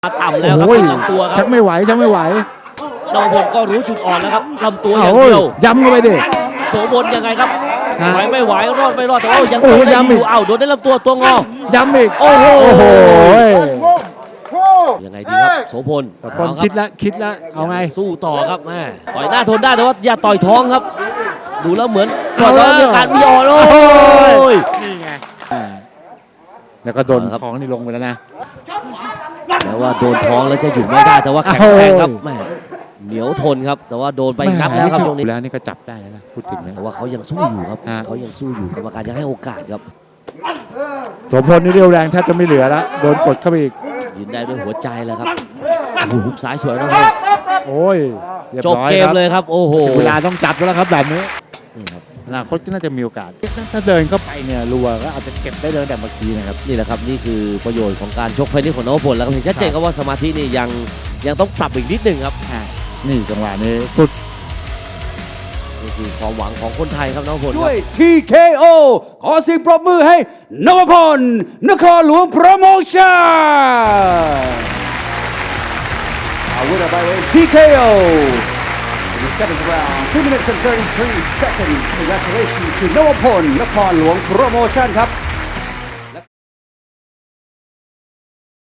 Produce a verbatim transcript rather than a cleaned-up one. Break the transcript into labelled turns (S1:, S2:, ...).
S1: มาต่ำแล้วครับที่ลำตัวค
S2: ชั
S1: รับ
S2: กไม่ไหวชักไม่ไหวน
S1: วพลก็รู้จุดอ่อนแล้วครับลำตัวอย่างเดียว
S2: ย้ำเข้าไปดิ
S1: โสมนยังไงครับ
S2: ฮะ
S1: ไหวไม่ไหวรอดไม่รอดแต่ว่ายัง
S2: โอ้
S1: โด
S2: โห
S1: นได้
S2: ย้ำ
S1: อ
S2: อี
S1: ยู่
S2: ก
S1: เอ้าโดนได้ลำตัวตัวงอ
S2: ย้ำอีก
S1: โอ้โห
S2: โอ้โห
S1: ยังไงดีครับโสพล
S2: แต่คนคิดละคิดละเอาไง
S1: สู้ต่อครับแม่ต่อยหน้าทนได้แต่ว่าอย่าต่อยท้องครับ ดูแล้วเหมือนต่อยท้อง
S2: เอาแล้ว
S1: มีอาการวิออโอ้ย
S2: นี่ไงแล้วก็โดน
S1: เอาละครับ
S2: ท้องนี่ลงไปแล้วนะ
S1: แต่ว่าโดนท้องแล้วจะหยุดไม่ได้แต่ว่าแข็งแรงครับแม่เหนียวทนครับ แต่ว่าโดนไปนับแล้วครับตรงนี้
S2: แล้วนี่ก็จับได้แล้วนะพูดถึงนะ
S1: แต่ว่าเขายังสู้อยู่ครับ
S2: ฮะ
S1: เขายังสู้อยู่กรรมการยังให้โอกาสครับ
S2: โสมพลนี่เรียวแรงแทบจะไม่เหลือแล้วโดนกดเข้าไปอีก
S1: ยืนได้ด้วยหัวใจแล้วครับโอ้โหหุกซ้ายสวยนะครับ
S2: โอ้ยรียบ
S1: จบ
S2: ร้อย
S1: เกม
S2: ครับ
S1: เลยครับโอ้โห
S2: ถึงเวลาต้องจับแล้วครับแบบนี้
S1: นี่ครับ
S2: อนาคตก็น่าจะมีโอกาส ถ้าเดินเข้าไปเนี่ยรัวก็อาจจะเก็บได้เลยแต่เมื่อกี้นะครับ
S1: นี่แหละครับนี่คือประโยชน์ของการชกไฟนี้ของนวพลแล้วก็เห็นชัดเจนครับว่าสมาธินี่ยังยังต้องปรับอีกนิดหนึ่งครับ
S2: อ่ะนี่จังหวะนี้สุด
S1: นี่คือความหวังของคนไทยครับนวพลค
S3: ด้
S1: รั
S3: วย
S1: บ
S3: ที เค โอ ขอเสียงปรบมือให้นวพลนครหลวงโปรโมชั่น A winner by way of ที เค โอ in the seventh round two minutes and thirty-three seconds Congratulations to นวพลนครหลวงโปรโมชั่นครับ